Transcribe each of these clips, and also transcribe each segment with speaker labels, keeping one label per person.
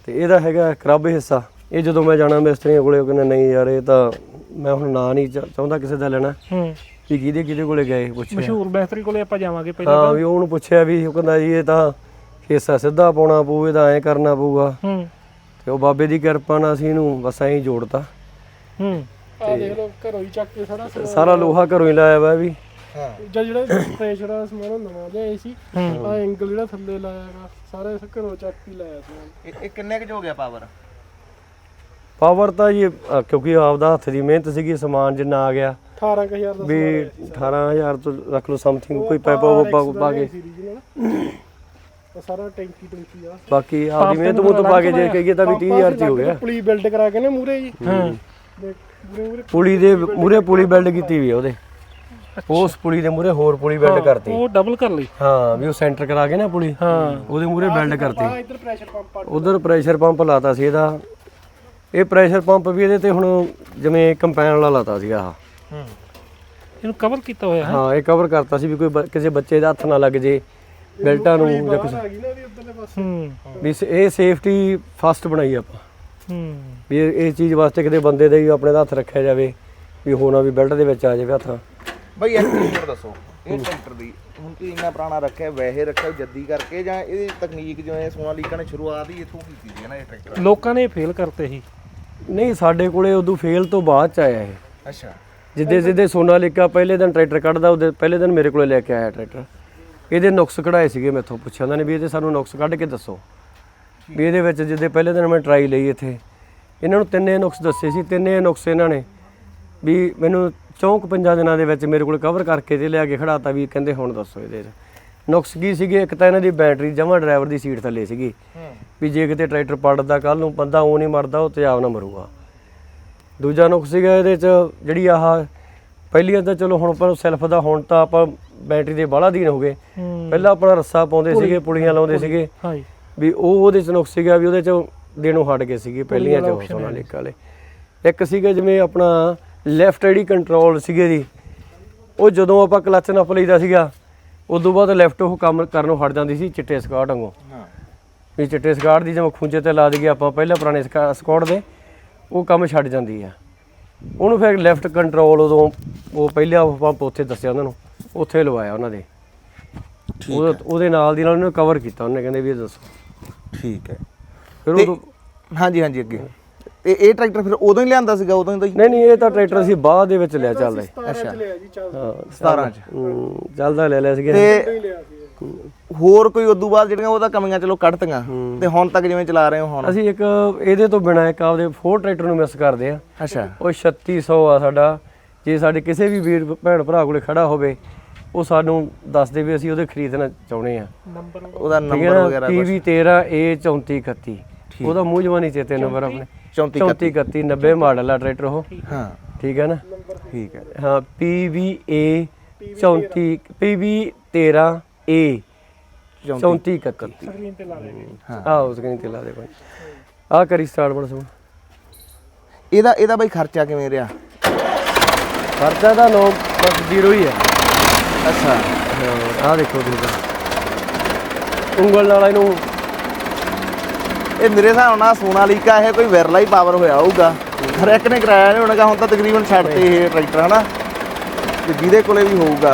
Speaker 1: ਤੇ ਇਹਦਾ ਹੈਗਾ ਕ੍ਰਬ ਹਿੱਸਾ। ਇਹ ਜਦੋਂ ਮੈਂ ਜਾਣਾ ਮਿਸਤਰੀਆਂ ਕੋਲੇ ਉਹ ਕਹਿੰਦੇ ਨਹੀਂ ਯਾਰ ਇਹ ਤਾਂ ਮੈਂ ਹੁਣ ਨਾਂ ਨਹੀਂ ਚਾਹੁੰਦਾ ਕਿਸੇ ਦਾ ਲੈਣਾ ਵੀ ਕਿਹਦੇ ਕੋਲੇ ਗਏ ਪੁੱਛਿਆ
Speaker 2: ਮਸ਼ਹੂਰ ਮਿਸਤਰੀ ਕੋਲੇ ਆਪਾਂ ਜਾਵਾਂਗੇ ਪਹਿਲਾਂ।
Speaker 1: ਹਾਂ ਵੀ ਉਹਨੂੰ ਪੁੱਛਿਆ ਵੀ ਉਹ ਕਹਿੰਦਾ ਜੀ ਇਹ ਤਾਂ ਹਿੱਸਾ ਸਿੱਧਾ ਪਾਉਣਾ ਪਊ, ਇਹਦਾ ਐਂ ਕਰਨਾ ਪਊਗਾ। ਤੇ ਉਹ ਬਾਬੇ ਦੀ ਕਿਰਪਾ ਨਾਲ ਅਸੀਂ ਇਹਨੂੰ ਬਸ ਐਂ ਜੋੜਤਾ।
Speaker 2: ਆ ਦੇਖ ਲਓ ਘਰੋਂ ਹੀ ਚੱਕ ਕੇ
Speaker 1: ਸਾਰਾ ਲੋਹਾ ਘਰੋਂ ਹੀ ਲਾਇਆ ਵਾ ਵੀ।
Speaker 2: ਜਿਹੜਾ ਪ੍ਰੈਸ਼ਰ ਆ ਸਮਾਨ ਨਵਾਂ ਲਿਆਏ ਸੀ ਆ ਐਂਗਲ ਜਿਹੜਾ ਥੱਲੇ ਲਾਇਆਗਾ ਸਾਰਾ ਇਸ ਘਰੋਂ ਚੱਕ ਹੀ ਲਾਇਆ ਸੀ।
Speaker 3: ਇਹ ਕਿੰਨੇ ਕੁ ਹੋ ਗਿਆ
Speaker 1: ਪਾਵਰ ਤਾਂ ਜੀ ਕਿਉਂਕਿ ਆਪਦਾ ਹੱਥ ਦੀ ਮਿਹਨਤ ਸੀਗੀ, ਸਮਾਨ ਜਿੰਨਾ ਆ ਗਿਆ
Speaker 2: 18000 ਦਾ
Speaker 1: ਵੀ 18000 ਤੋਂ ਰੱਖ ਲਓ ਸਮਥਿੰਗ ਕੋਈ ਪੈਪਾ ਪਾ ਕੇ
Speaker 2: ਸਾਰਾ ਟੈਂਕੀ ਆ
Speaker 1: ਬਾਕੀ ਆਪਦੀ ਮਿਹਨਤ ਮੁੱਤ ਪਾ ਕੇ ਜੇ ਕਹੀਏ ਤਾਂ ਵੀ 30000 ਚ ਹੋ ਗਿਆ।
Speaker 2: ਪੁਲੀ ਬਿਲਡ ਕਰਾ ਕੇ ਨੇ ਮੂਰੇ ਜੀ
Speaker 1: ਪੁਲੀ ਦੇ ਮੂਰੇ ਪੁਲੀ ਬਿਲਡ ਕੀਤੀ ਵੀ ਉਹਦੇ, ਉਸ ਪੁਲੀ ਦੇ ਮੂਰੇ ਹੋਰ ਪੁਲੀ ਬਿਲਡ ਕਰਤੀ।
Speaker 2: ਉਹ ਡਬਲ ਕਰ ਲਈ
Speaker 1: ਹਾਂ ਵੀ ਉਹ ਸੈਂਟਰ ਕਰਾ ਕੇ ਨਾ ਪੁਲੀ ਉਹਦੇ ਮੂਰੇ ਬਿਲਡ ਕਰਤੀ।
Speaker 2: ਇੱਧਰ ਪ੍ਰੈਸ਼ਰ ਪੰਪ
Speaker 1: ਉਧਰ ਪ੍ਰੈਸ਼ਰ ਪੰਪ ਲਾਤਾ ਸੀ ਇਹਦਾ। ਇਹ ਪ੍ਰੈਸ਼ਰ ਪੰਪ ਵੀ ਇਹਦੇ ਤੇ ਹੁਣ ਜਿਵੇਂ ਕੰਪੈਨ ਵਾਲਾ ਲਾਤਾ ਸੀਗਾ ਆਹ
Speaker 2: ਇਹਨੂੰ ਕਵਰ ਕੀਤਾ ਹੋਇਆ ਹੈ।
Speaker 1: ਹਾਂ ਇਹ ਕਵਰ ਕਰਤਾ ਸੀ ਵੀ ਕੋਈ ਕਿਸੇ ਬੱਚੇ ਦਾ ਹੱਥ ਨਾ ਲੱਗ ਜੇ ਬੈਲਟਾਂ ਨੂੰ ਜਾਂ ਕੁਝ ਵੀ। ਇਹ ਸੇਫਟੀ ਫਸਟ ਬਣਾਈ ਆਪਾਂ ਵੀ ਇਹ ਚੀਜ਼ ਵਾਸਤੇ ਕਿਤੇ ਬੰਦੇ ਦਾ ਹੀ ਆਪਣੇ ਦਾ ਹੱਥ ਰੱਖਿਆ ਜਾਵੇ ਵੀ ਹੋਣਾ ਵੀ ਬੈਲਟ ਦੇ ਵਿੱਚ ਆ ਜਾਵੇ ਹੱਥ।
Speaker 3: ਬਈ ਇੱਕ ਹੋਰ ਦੱਸੋ ਇਹ ਟਰੈਕਟਰ ਦੀ ਹੁਣ ਤੁਸੀਂ ਇੰਨਾ ਪੁਰਾਣਾ ਰੱਖਿਆ ਵੈਸੇ ਰੱਖਿਆ ਜੱਦੀ ਕਰਕੇ ਜਾਂ ਇਹਦੀ ਤਕਨੀਕ ਜਿਵੇਂ ਸੋਨਾਲੀਕਾ ਨੇ ਸ਼ੁਰੂਆਤ ਹੀ ਇੱਥੋਂ ਕੀਤੀ ਸੀ ਨਾ ਇਹ ਟਰੈਕਟਰ?
Speaker 2: ਲੋਕਾਂ ਨੇ ਫੇਲ ਕਰਤੇ ਸੀ।
Speaker 1: ਨਹੀਂ ਸਾਡੇ ਕੋਲੇ ਉਦੋਂ ਫੇਲ ਤੋਂ ਬਾਅਦ ਚ ਆਇਆ ਇਹ।
Speaker 3: ਅੱਛਾ
Speaker 1: ਜਿੱਦੇ ਸੋਨਾਲੀਕਾ ਪਹਿਲੇ ਦਿਨ ਟਰੈਕਟਰ ਕੱਢਦਾ ਉਹਦੇ ਪਹਿਲੇ ਦਿਨ ਮੇਰੇ ਕੋਲੇ ਲੈ ਕੇ ਆਇਆ ਟਰੈਕਟਰ। ਇਹਦੇ ਨੁਕਸ ਕਢਾਏ ਸੀਗੇ ਮੈਥੋਂ, ਪੁੱਛਿਆ ਉਹਨਾਂ ਨੇ ਵੀ ਇਹਦੇ ਸਾਨੂੰ ਨੁਕਸ ਕੱਢ ਕੇ ਦੱਸੋ ਵੀ ਇਹਦੇ ਵਿੱਚ ਜਿੱਦੇ ਪਹਿਲੇ ਦਿਨ ਮੈਂ ਟਰਾਈ ਲਈ ਇੱਥੇ ਇਹਨਾਂ ਨੂੰ ਤਿੰਨੇ ਨੁਕਸ ਦੱਸੇ ਸੀ। ਤਿੰਨੇ ਨੁਕਸ ਇਹਨਾਂ ਨੇ ਵੀ ਮੈਨੂੰ 4-5 ਦਿਨਾਂ ਦੇ ਵਿੱਚ ਮੇਰੇ ਕੋਲ ਕਵਰ ਕਰਕੇ ਤੇ ਲਿਆ ਕੇ ਖੜਾਤਾ ਵੀ ਕਹਿੰਦੇ ਹੁਣ ਦੱਸੋ ਇਹਦੇ ਨੁਕਸ ਕੀ ਸੀਗੇ। ਇੱਕ ਤਾਂ ਇਹਨਾਂ ਦੀ ਬੈਟਰੀ ਜਮਾਂ ਡਰਾਈਵਰ ਦੀ ਸੀਟ ਥੱਲੇ ਸੀਗੀ ਵੀ ਜੇ ਕਿਤੇ ਟਰੈਕਟਰ ਪਲਟਦਾ ਕੱਲ ਨੂੰ ਬੰਦਾ ਉਹ ਨਹੀਂ ਮਰਦਾ ਉਹ ਤੇਜ਼ਾਬ ਨਾ ਮਰੂਗਾ। ਦੂਜਾ ਨੁਕਸ ਸੀਗਾ ਇਹਦੇ 'ਚ ਜਿਹੜੀ ਆਹ ਪਹਿਲੀਆਂ ਤਾਂ ਚਲੋ ਹੁਣ ਪਰ ਸੈਲਫ ਦਾ ਹੁਣ ਤਾਂ ਆਪਾਂ ਬੈਟਰੀ ਦੇ ਬਾਹਲਾ ਦਿਨ ਹੋ ਗਏ। ਪਹਿਲਾਂ ਆਪਣਾ ਰੱਸਾ ਪਾਉਂਦੇ ਸੀਗੇ, ਪੁਲੀਆਂ ਲਾਉਂਦੇ ਸੀਗੇ ਵੀ ਉਹਦੇ 'ਚ ਨੁਕਸ ਸੀਗਾ ਵੀ ਉਹਦੇ 'ਚ ਦੇਣੋਂ ਹਟ ਗਏ ਸੀਗੇ ਪਹਿਲੀਆਂ 'ਚ ਸੋਨਾਲੀਕਾ ਵਾਲੇ। ਇੱਕ ਸੀਗਾ ਜਿਵੇਂ ਆਪਣਾ ਲੈਫਟ ਜਿਹੜੀ ਕੰਟਰੋਲ ਸੀਗੇ ਜੀ ਉਹ ਜਦੋਂ ਆਪਾਂ ਕਲੱਚ ਨੱਪ ਲਈਦਾ ਸੀਗਾ ਉਦੋਂ ਬਾਅਦ ਲੈਫਟ ਉਹ ਕੰਮ ਕਰਨੋਂ ਹਟ ਜਾਂਦੀ ਸੀ ਚਿੱਟੇ ਸਕਾਟ ਵਾਂਗੂ। ਵੀ ਚਿੱਟੇ ਸਕਾਟ ਦੀ ਜਿਵੇਂ ਖੂੰਜੇ ਤੇ ਲਾ ਦਈਏ ਆਪਾਂ ਪਹਿਲਾਂ ਪੁਰਾਣੇ ਸਕਾਟ ਦੇ ਉਹ ਕੰਮ ਛੱਡ ਜਾਂਦੀ ਆ ਉਹਨੂੰ। ਫਿਰ ਲੈਫਟ ਕੰਟਰੋਲ ਉਦੋਂ ਉਹ ਪਹਿਲਾਂ ਪੰਪ ਉੱਥੇ ਦੱਸਿਆ ਉਹਨਾਂ ਨੂੰ, ਉੱਥੇ ਲਵਾਇਆ ਉਹਨਾਂ ਦੇ। ਉਹਦੇ ਨਾਲ ਦੀ ਨਾਲ ਉਹਨੇ ਕਵਰ ਕੀਤਾ। ਉਹਨੇ ਕਹਿੰਦੇ ਵੀ ਇਹ ਦੱਸੋ
Speaker 3: ਠੀਕ ਹੈ
Speaker 1: ਫਿਰ ਉਦੋਂ।
Speaker 3: ਹਾਂਜੀ ਅੱਗੇ ਤੇ ਇਹ ਟਰੈਕਟਰ ਫਿਰ ਉਦੋਂ ਹੀ ਲਿਆਂਦਾ ਸੀਗਾ? ਉਦੋਂ ਹੀ?
Speaker 1: ਨਹੀਂ ਇਹ ਤਾਂ ਟਰੈਕਟਰ ਅਸੀਂ ਬਾਅਦ ਦੇ ਵਿੱਚ ਲਿਆ ਚੱਲਦਾ।
Speaker 3: ਅੱਛਾ
Speaker 1: ਹਾਂ
Speaker 3: 17 ਚ
Speaker 1: ਚੱਲਦਾ ਲੈ ਲਿਆ ਸੀਗਾ।
Speaker 3: ਤੇ ਹੋਰ ਕੋਈ ਉਦੋਂ ਬਾਅਦ ਜਿਹੜੀਆਂ ਉਹਦਾ ਕਮੀਆਂ ਚਲੋ ਕੱਢਤੀਆਂ ਤੇ ਹੁਣ ਤੱਕ ਜਿਵੇਂ ਚਲਾ ਰਹੇ ਹੋ ਹੁਣ?
Speaker 1: ਅਸੀਂ ਇੱਕ ਇਹਦੇ ਤੋਂ ਬਿਨਾਂ ਇੱਕ ਆਪਦੇ 4 ਟਰੈਕਟਰ ਨੂੰ ਮਿਸ ਕਰਦੇ ਆ।
Speaker 3: ਅੱਛਾ
Speaker 1: ਉਹ 3600 ਆ ਸਾਡਾ। ਜੇ ਸਾਡੇ ਕਿਸੇ ਵੀ ਵੀਰ ਭੈਣ ਭਰਾ ਕੋਲੇ ਖੜਾ ਹੋਵੇ ਉਹ ਸਾਨੂੰ ਦੱਸ ਦੇ ਵੀ ਅਸੀਂ ਉਹਦੇ ਖਰੀਦਣਾ ਚਾਹੁੰਦੇ ਆ।
Speaker 3: ਉਹਦਾ ਨੰਬਰ ਵਗੈਰਾ
Speaker 1: PV 13A3431 ਉਹਦਾ ਮੂੰਹ ਜਵਾਨੀ ਚੇਤੇ ਨੰਬਰ ਆਪਣੇ 3431 90 ਮਾਡਲ ਆ ਟਰੈਕਟਰ ਉਹ। ਹਾਂ ਠੀਕ ਹੈ ਨਾ? ਠੀਕ ਹੈ ਹਾਂ PVA 13A 3431
Speaker 2: ਸਕਰੀਨ ਤੇ ਲਾ ਦੇ।
Speaker 1: ਆਹ ਸਕਰੀਨ ਤੇ ਲਾ ਦੇ ਭਾਈ। ਆਹ ਕਰੀ ਸਟਾਰਟ ਬਣ ਸੋ।
Speaker 3: ਇਹਦਾ ਬਈ ਖਰਚਾ ਕਿਵੇਂ ਰਿਹਾ?
Speaker 1: ਖਰਚਾ ਦਾ ਨੋ ਬਸ 0 ਹੀ ਹੈ।
Speaker 3: ਅੱਛਾ
Speaker 1: ਆਹ ਦੇਖੋ ਤੁਸੀਂ ਉਂਗਲ ਨਾਲ ਇਹਨੂੰ।
Speaker 3: ਇਹ ਮੇਰੇ ਹਿਸਾਬ ਨਾਲ ਸੋਨਾਲੀਕਾ ਇਹ ਕੋਈ ਵਿਰਲਾ ਹੀ ਪਾਵਰ ਹੋਇਆ ਹੋਊਗਾ। ਹਰ ਇੱਕ ਨੇ ਕਰਾਇਆ ਨਹੀਂ ਹੋਣਾਗਾ। ਹੁਣ ਤਾਂ ਤਕਰੀਬਨ ਛੱਡਤੇ ਇਹ ਟਰੈਕਟਰ ਹਨਾ ਤੇ ਜਿਹਦੇ ਕੋਲੇ ਵੀ ਹੋਊਗਾ।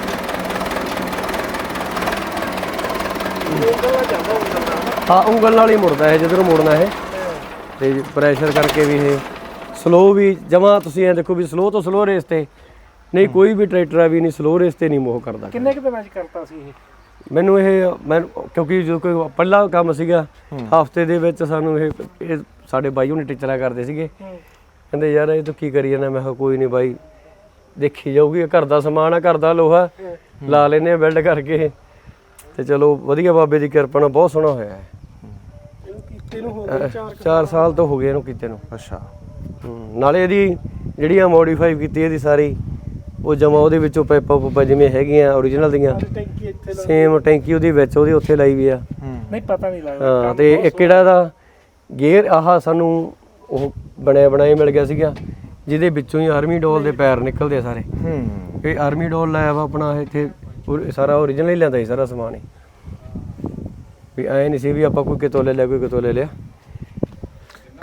Speaker 1: ਹਾਂ ਉਂਗਲ ਨਾਲ ਹੀ ਮੁੜਦਾ ਇਹ ਜਿੱਧਰੋਂ ਮੁੜਨਾ ਇਹ। ਤੇ ਪ੍ਰੈਸ਼ਰ ਕਰਕੇ ਵੀ ਇਹ ਸਲੋ ਵੀ ਜਮਾਂ ਤੁਸੀਂ ਐ ਦੇਖੋ ਵੀ ਸਲੋ ਤੋਂ ਸਲੋ ਰੇਸ ਤੇ ਨਹੀਂ ਕੋਈ ਵੀ ਟਰੈਕਟਰ ਆ ਵੀ ਨਹੀਂ ਸਲੋ ਰੇਸ ਤੇ ਨਹੀਂ ਮੋਹ ਕਰਦਾ।
Speaker 2: ਕਿੰਨੇ ਕੁ ਦਿਨਾਂ 'ਚ ਕਰਤਾ ਸੀ ਇਹ?
Speaker 1: ਮੈਨੂੰ ਕਿਉਂਕਿ ਜੋ ਕੋਈ ਪਹਿਲਾ ਕੰਮ ਸੀਗਾ ਹਫਤੇ ਦੇ ਵਿੱਚ ਸਾਨੂੰ ਇਹ ਸਾਡੇ ਬਾਈ ਹੁਣੇ ਟੀਚਰਾਂ ਕਰਦੇ ਸੀਗੇ। ਕਹਿੰਦੇ ਯਾਰ ਇਹ ਤੂੰ ਕੀ ਕਰੀ ਜਾਂਦਾ? ਮੈਂ ਕਿਹਾ ਕੋਈ ਨਹੀਂ ਬਾਈ ਦੇਖੀ ਜਾਊਗੀ, ਘਰ ਦਾ ਸਮਾਨ ਆ, ਘਰ ਦਾ ਲੋਹਾ ਲਾ ਲੈਨੇ ਆ ਬਿਲਡ ਕਰਕੇ। ਤੇ ਚਲੋ ਵਧੀਆ ਬਾਬੇ ਦੀ ਕਿਰਪਾ ਨਾਲ ਬਹੁਤ ਸੋਹਣਾ ਹੋਇਆ ਹੈ। 4 ਸਾਲ ਤੋਂ ਹੋ ਗਏ ਇਹਨੂੰ ਕੀਤੇ ਨੂੰ।
Speaker 3: ਅੱਛਾ
Speaker 1: ਨਾਲੇ ਇਹਦੀ ਜਿਹੜੀ ਆ ਮੋਡੀਫਾਈ ਕੀਤੀ ਇਹਦੀ ਸਾਰੀ ਉਹ ਜਮਾ ਉਹਦੇ ਵਿੱਚੋਂ ਪਾਈਪਾਂ ਜਿਵੇਂ ਹੈਗੀਆਂ ਓਰੀਜਨਲ ਦੀਆਂ ਸੇਮ ਟੈਂਕੀ ਉਹਦੇ ਵਿੱਚ ਉਹਦੇ ਉੱਥੇ ਲਾਈ ਵੀ ਆ।
Speaker 2: ਨਹੀਂ ਪਤਾ ਨਹੀਂ ਲੱਗਦਾ।
Speaker 1: ਹਾਂ ਤੇ ਇੱਕ ਜਿਹੜਾ ਇਹਦਾ ਗੇਅਰ ਆਹ ਸਾਨੂੰ ਉਹ ਬਣਾਇਆ ਮਿਲ ਗਿਆ ਸੀਗਾ ਜਿਹਦੇ ਵਿੱਚੋਂ ਹੀ ਆਰਮੀ ਡੋਲ ਦੇ ਪੈਰ ਨਿਕਲਦੇ ਆ ਸਾਰੇ। ਇਹ ਆਰਮੀ ਡੋਲ ਲਾਇਆ ਵਾ ਆਪਣਾ ਇੱਥੇ ਸਾਰਾ ਓਰੀਜਨਲ ਹੀ ਲਿਆਂਦਾ ਸੀ ਸਾਰਾ ਸਮਾਨ ਹੀ। ਵੀ ਐਂ ਨਹੀਂ ਸੀ ਵੀ ਆਪਾਂ ਕੋਈ ਕਿਤੋਂ ਲੈ ਲਿਆ ਕੋਈ ਕਿਤੋਂ ਲੈ ਲਿਆ।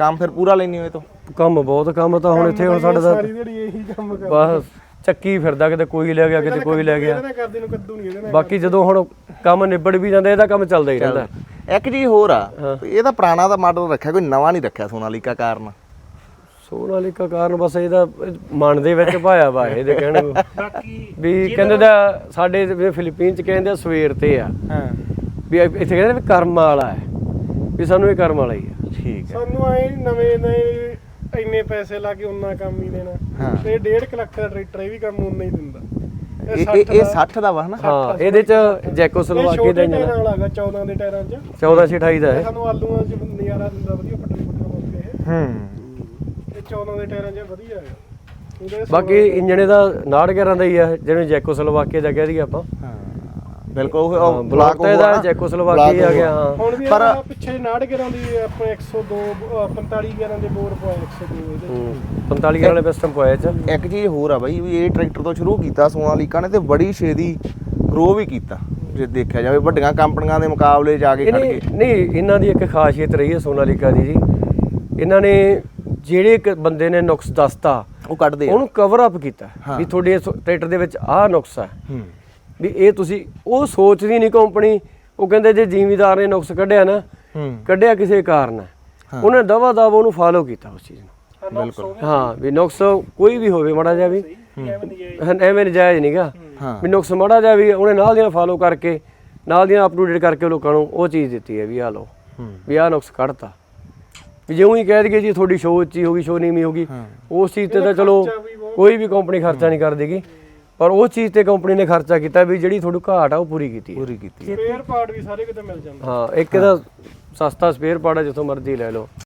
Speaker 3: ਕੰਮ ਫਿਰ ਪੂਰਾ ਲੈਣੀ ਹੋਏ ਤੋਂ
Speaker 1: ਕੰਮ ਬਹੁਤ ਕੰਮ ਤਾਂ ਹੁਣ ਇੱਥੇ ਹੁਣ ਸਾਡੇ ਦਾ
Speaker 2: ਸਾਰੀ ਦਿਹਾੜੀ ਇਹੀ ਕੰਮ ਕਰ
Speaker 1: ਬਸ ਚੱਕੀ ਫਿਰਦਾ, ਕਿਤੇ ਕੋਈ ਲੈ ਗਿਆ ਕਿਤੇ ਕੋਈ ਲੈ ਗਿਆ।
Speaker 2: ਇਹਦੇ ਨਾਲ ਕਰਦੇ ਨੂੰ ਕੱਦੂ ਨਹੀਂ ਇਹਦੇ ਨਾਲ
Speaker 1: ਬਾਕੀ ਜਦੋਂ ਹੁਣ ਕੰਮ ਨਿਬੜ ਵੀ ਜਾਂਦਾ ਇਹਦਾ ਕੰਮ ਚੱਲਦਾ ਹੀ ਰਹਿੰਦਾ।
Speaker 3: ਇੱਕ ਚੀਜ਼ ਹੋਰ ਆ, ਇਹ ਤਾਂ ਪੁਰਾਣਾ ਦਾ ਮਾਡਲ ਰੱਖਿਆ, ਕੋਈ ਨਵਾਂ ਨਹੀਂ ਰੱਖਿਆ ਸੋਨਾਲੀਕਾ ਕਾਰਨ।
Speaker 1: ਸੋਨਾਲੀਕਾ ਕਾਰਨ ਬਸ ਇਹਦਾ ਮਨ ਦੇ ਵਿੱਚ ਭਾਇਆ ਵਾ ਇਹਦੇ ਕਹਿਣ ਨੂੰ।
Speaker 4: ਬਾਕੀ
Speaker 1: ਵੀ ਕਹਿੰਦੇ ਦਾ ਸਾਡੇ ਫਿਲੀਪੀਨ ਚ ਕਹਿੰਦੇ ਆ ਸਵੇਰ ਤੇ ਆ,
Speaker 3: ਹਾਂ
Speaker 1: ਵੀ ਇੱਥੇ ਕਹਿੰਦੇ ਵੀ ਕਰਮ ਵਾਲਾ ਹੈ, ਵੀ ਸਾਨੂੰ ਇਹ ਕਰਮ ਵਾਲਾ ਹੀ ਆ।
Speaker 3: ਠੀਕ ਹੈ।
Speaker 2: ਸਾਨੂੰ ਆਏ ਨਵੇਂ ਨਵੇਂ ਇੰਨੇ ਪੈਸੇ ਲਾ ਕੇ ਉਨਾ ਕੰਮ ਹੀ ਦੇਣਾ
Speaker 3: ਹਾਂ।
Speaker 2: ਤੇ 1.5 ਲੱਖ ਦਾ ਟਰੈਕਟਰ ਇਹ ਵੀ ਕੰਮ ਉਨਾ ਹੀ ਦਿੰਦਾ।
Speaker 3: ਇਹ 60 ਦਾ ਵਾ ਹਨਾ?
Speaker 1: ਹਾਂ ਇਹਦੇ ਚ ਜੈਕੋਸਲੋਵਾਕੀ ਦਾ ਇੰਜਨ
Speaker 2: ਟਾਇਰਾਂ ਵਾਲਾ ਹੈਗਾ 14 ਦੇ ਟਾਇਰਾਂ 'ਚ
Speaker 1: 1428 ਦਾ ਹੈ।
Speaker 2: ਸਾਨੂੰ ਆਲੂਆਂ 'ਚ ਨਜ਼ਾਰਾ ਦਿੰਦਾ ਵਧੀਆ ਪੱਟੇ ਪਾਉਂਦੇ ਇਹ। ਇਹ 14 ਦੇ ਟਾਇਰਾਂ 'ਚ ਵਧੀਆ ਹੈਗਾ। ਉਹਦੇ
Speaker 1: ਬਾਕੀ ਇੰਜਣੇ ਦਾ 69 ਦਾ ਹੀ ਆ, ਜਿਹਨੂੰ ਜੈਕੋਸਲੋਵਾਕੀ ਦਾ ਕਹਿ ਦਈਏ ਆਪਾਂ।
Speaker 3: ਹਾਂ ਬਿਲਕੁਲ ਉਹ
Speaker 1: ਬਲਾਕ ਤਾਂ ਇਹਦਾ ਜੈਕੋਸਲੋਵਾਕੀ ਆ ਗਿਆ। ਹਾਂ
Speaker 2: ਹੁਣ ਵੀ
Speaker 3: ਪਰ
Speaker 2: ਪਿੱਛੇ 69 ਗੇਰਾਂ ਦੀ ਆਪਣੇ 102 45 ਗੇਰਾਂ ਦੇ ਬੋਰ ਪਵਾਏ 102 ਇਹਦੇ
Speaker 1: 45 ਵਾਲੇ ਪਿਸਟਨ ਪਾਇਆ ਚ।
Speaker 3: ਇੱਕ ਚੀਜ਼ ਹੋਰ ਆ ਬਾਈ, ਵੀ ਇਹ ਟਰੈਕਟਰ ਤੋਂ ਸ਼ੁਰੂ ਕੀਤਾ ਸੋਨਾਲੀਕਾ ਨੇ ਤੇ ਬੜੀ ਛੇਤੀ ਗਰੋ ਵੀ ਕੀਤਾ, ਜੇ ਦੇਖਿਆ ਜਾਵੇ ਵੱਡੀਆਂ ਕੰਪਨੀਆਂ ਦੇ ਮੁਕਾਬਲੇ ਜਾ ਕੇ ਖੜ
Speaker 1: ਨਹੀਂ
Speaker 3: ਕੇ।
Speaker 1: ਨਹੀਂ ਇਹਨਾਂ ਦੀ ਇੱਕ ਖਾਸੀਅਤ ਰਹੀ ਹੈ ਸੋਨਾਲੀਕਾ ਦੀ ਜੀ, ਇਹਨਾਂ ਨੇ ਜਿਹੜੇ ਇੱਕ ਬੰਦੇ ਨੇ ਨੁਕਸ ਦੱਸਤਾ
Speaker 3: ਉਹ ਕੱਢਦੇ ਆ।
Speaker 1: ਉਹਨੂੰ ਕਵਰ ਅਪ ਕੀਤਾ ਵੀ ਤੁਹਾਡੇ ਟਰੈਕਟਰ ਦੇ ਵਿੱਚ ਆਹ ਨੁਕਸ ਹੈ, ਵੀ ਇਹ ਤੁਸੀਂ ਉਹ ਸੋਚਦੀ ਨਹੀਂ ਕੰਪਨੀ। ਉਹ ਕਹਿੰਦੇ ਜੇ ਜ਼ਿਮੀਦਾਰ ਨੇ ਨੁਕਸ ਕੱਢਿਆ ਨਾ, ਕੱਢਿਆ ਕਿਸੇ ਕਾਰਨ ਹੈ, ਉਹਨੇ ਦਵਾ ਦਵ ਉਹਨੂੰ ਫਾਲੋ ਕੀਤਾ ਉਸ ਚੀਜ਼ ਨੂੰ।
Speaker 3: ਬਿਲਕੁਲ
Speaker 1: ਹਾਂ ਵੀ ਨੁਕਸ ਕੋਈ ਵੀ ਹੋਵੇ ਮਾੜਾ ਜਿਹਾ ਵੀ ਐਵੇਂ ਨਜਾਇਜ਼ ਨਹੀਂਗਾ, ਵੀ ਨੁਕਸ ਮਾੜਾ ਜਿਹਾ ਵੀ ਉਹਨੇ ਨਾਲ ਦੀਆਂ ਫਾਲੋ ਕਰਕੇ ਨਾਲ ਦੀਆਂ ਅਪ ਟੂ ਡੇਟ ਕਰਕੇ ਲੋਕਾਂ ਨੂੰ ਉਹ ਚੀਜ਼ ਦਿੱਤੀ ਹੈ ਵੀ ਆਹ ਲਓ ਵੀ ਆਹ ਨੁਕਸ ਕੱਢਤਾ। ਵੀ ਜਿਉਂ ਹੀ ਕਹਿ ਦਈਏ ਜੀ ਤੁਹਾਡੀ ਸ਼ੋਅ ਉੱਚੀ ਹੋ ਗਈ, ਸ਼ੋਅ ਨੀਵੀਂ ਹੋ ਗਈ, ਉਸ ਚੀਜ਼ ਤੇ ਤਾਂ ਚਲੋ ਕੋਈ ਵੀ ਕੰਪਨੀ ਖਰਚਾ ਨਹੀਂ ਕਰ ਦੇਗੀ, ਪਰ ਉਹ ਚੀਜ਼ ਤੇ ਕੰਪਨੀ ਨੇ ਖਰਚਾ ਕੀਤਾ ਵੀ ਜਿਹੜੀ ਤੁਹਾਨੂੰ ਘਾਟ ਆ ਉਹ ਪੂਰੀ ਕੀਤੀ ਹੈ।
Speaker 2: ਸਪੇਅਰ ਪਾਰਟ ਵੀ ਸਾਰੇ ਕਿਤੇ ਮਿਲ ਜਾਂਦੇ।
Speaker 1: ਹਾਂ ਇੱਕ ਇਹਦਾ ਸਸਤਾ ਸਪੇਅਰ ਪਾਰਟ ਹੈ, ਜਿੱਥੋਂ ਮਰਜ਼ੀ ਲੈ ਲਓ।